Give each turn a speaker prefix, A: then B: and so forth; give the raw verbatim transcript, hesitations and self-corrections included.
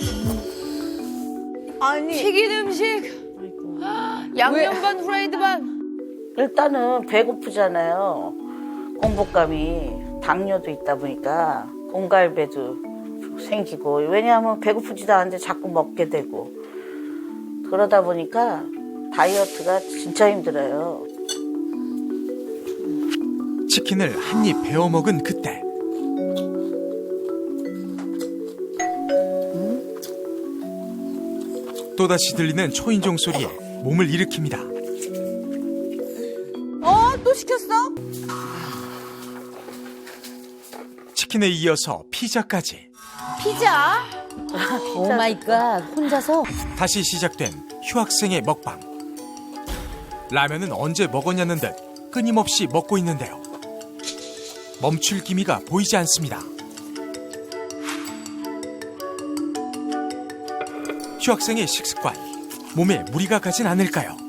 A: 아니
B: 튀긴 음식. 양념 반 후라이드 반.
C: 일단은 배고프잖아요. 공복감이 당뇨도 있다 보니까 공갈배도 생기고 왜냐하면 배고프지도 않은데 자꾸 먹게 되고 그러다 보니까 다이어트가 진짜 힘들어요.
D: 치킨을 한 입 베어 먹은 그때 또다시 들리는 초인종 소리에 몸을 일으킵니다.
A: 어? 또 시켰어?
D: 치킨에 이어서 피자까지.
B: 피자.
E: 오 마이 갓. 혼자서?
D: 다시 시작된 휴학생의 먹방. 라면은 언제 먹었냐는 듯 끊임없이 먹고 있는데요. 멈출 기미가 보이지 않습니다. 휴학생의 식습관, 몸에 무리가 가진 않을까요?